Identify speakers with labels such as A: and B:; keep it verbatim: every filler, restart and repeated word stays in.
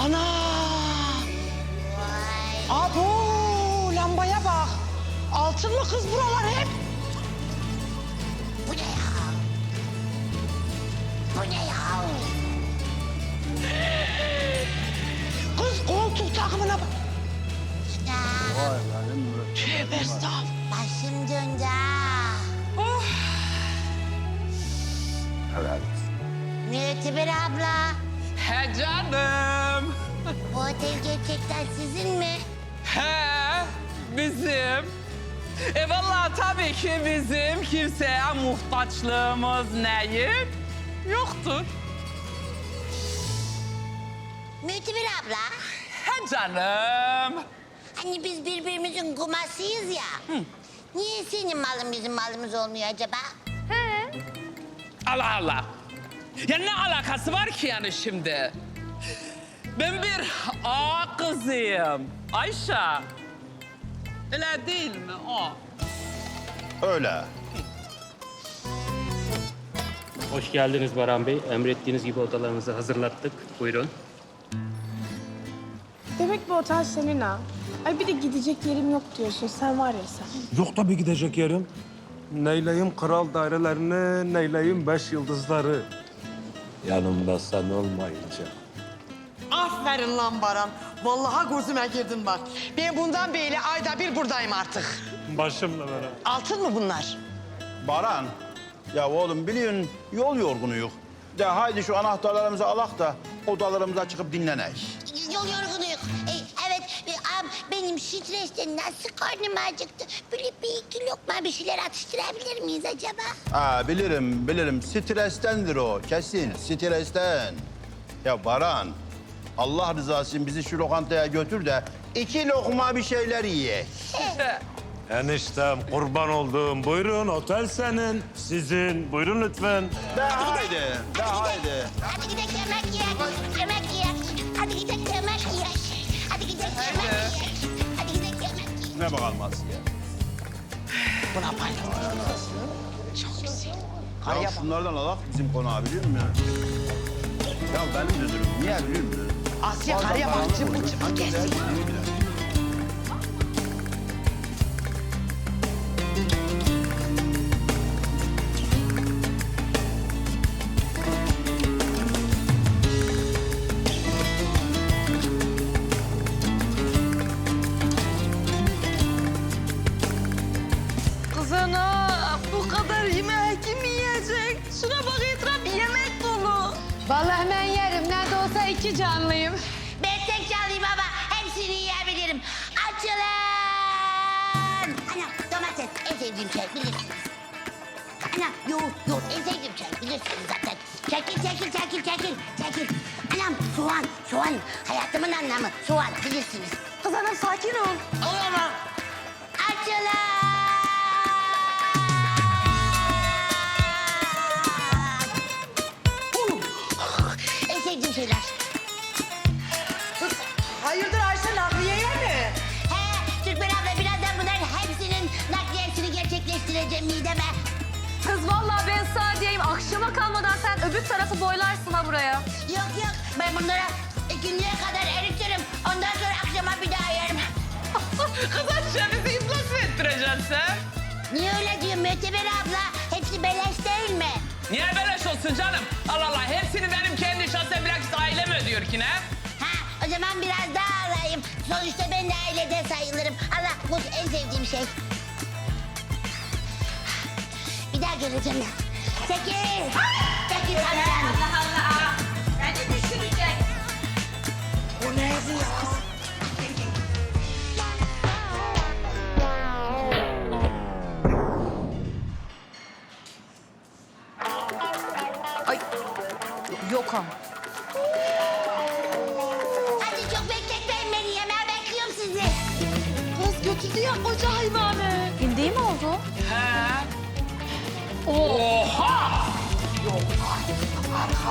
A: Ana! Abo, lambaya bak. Altın mı kız buralar hep?
B: Bu ne ya? Bu ne ya?
A: Kız koltuk takımına bak.
B: Ya,
C: Vay benim be.
A: Tövbe estağfurullah.
B: başım döndü ha.
A: Oh.
C: Helal.
B: Müteber abla,
D: He canım.
B: bu otel gerçekten sizin mi?
D: He bizim. E vallahi tabii ki bizim kimseye muhtaçlığımız neyim yoktur.
B: Müteber abla,
D: He canım.
B: hani biz birbirimizin kumasıyız ya. Niye senin malın bizim malımız olmuyor acaba?
D: Allah Allah. Ya ne alakası var ki yani şimdi? Ben bir ağa kızıyım. Ayşe. Öyle değil mi o?
C: Öyle.
E: Hoş geldiniz Baran Bey. Emrettiğiniz gibi odalarınızı hazırlattık. Buyurun.
F: Demek bu otel senin ha. Ay bir de gidecek yerim yok diyorsun. Sen var ya sen.
G: Yok tabii gidecek yerim. Neyleyim kral dairelerini, neyleyim beş yıldızları. Yanımda sen olmayınca.
A: Aferin lan Baran. Vallahi gözüme girdin bak. Ben bundan beri ayda bir buradayım artık.
G: Başımla beraber.
A: Altın mı bunlar?
C: Baran. Ya oğlum biliyorsun yol yorgunuyuk. De haydi şu anahtarlarımızı alak da odalarımıza çıkıp dinlenek.
B: Yol yorgunuyuk. E, evet, e, am, benim stresten nasıl karnım acıktı. Böyle bir iki lokma bir şeyler atıştırabilir miyiz acaba?
C: Ha bilirim bilirim strestendir o kesin stresten. Ya Baran Allah rızası için bizi şu lokantaya götür de iki lokma bir şeyler yiyek.
G: Eniştem kurban olduğum buyurun otel senin, sizin. Buyurun lütfen.
C: De haydi de haydi.
B: Hadi gidelim yemek yiyelim. Yemek yiyelim. Hadi gidelim yemek yiyelim. Hadi gidelim yemek yiyelim. Hadi gidelim yemek yiyelim.
C: Ne bakalım Asiye.
A: Buna bayıldım. Çok güzel. Karıya
C: Ya
A: bak.
C: şunlardan alak bizim konağı biliyor musun ya? Ya benim müdürüm niye biliyor musun?
A: Asya karıya bak. Cımbıl cımbıl gezsin.
H: Kız ana, bu kadar yemeği kim yiyecek? Şuna bak etraf yemek dolu.
F: Vallahi ben yerim. Ne de olsa iki canlıyım.
B: Ben tek canlıyım ama hepsini yiyebilirim. Açılın! Anam domates en sevdiğim şey bilirsiniz. Anam yoğurt yoğurt en sevdiğim şey bilirsiniz zaten. Çekil çekil çekil çekil çekil. Anam soğan soğan hayatımın anlamı soğan bilirsiniz.
H: Kız ana sakin ol.
B: Olamam. Açılın! En sevdiğim şeyler.
A: Hayırdır Ayşe nakliyeye mi?
B: He, Türkmen abla birazdan bunların hepsinin nakliyesini gerçekleştireceğim mideme.
H: Kız vallahi ben sana diyeyim akşama kalmadan sen öbür tarafı boylarsın ha buraya.
B: Yok yok, ben bunları ikindiye kadar eritirim. Ondan sonra akşama bir daha yerim.
D: Kız Ayşe bizi iflas mı ettireceksin sen?
B: Niye öyle diyorsun Müteber abla? Hepsi beleş değil mi?
D: Niye beleş olsun canım? Allah Allah hepsini benim kendi şahsen bilakis ailem ödüyor ki ne?
B: Ha, o zaman biraz daha alayım. Sonuçta ben de ailede sayılırım. Allah, bu en sevdiğim şey. Bir daha geleceğim ben. Çekil! Çekil Hasan!
H: Allah Allah. Beni düşürecek.
A: O ne yazıyor kız?
H: Ay yok ama.
B: Hadi çok bekletmeyin beni. Yemeğe bekliyorum sizi.
H: Kız götürdü ya koca hayvanı. Hindi mi oldu?
D: He. Oha!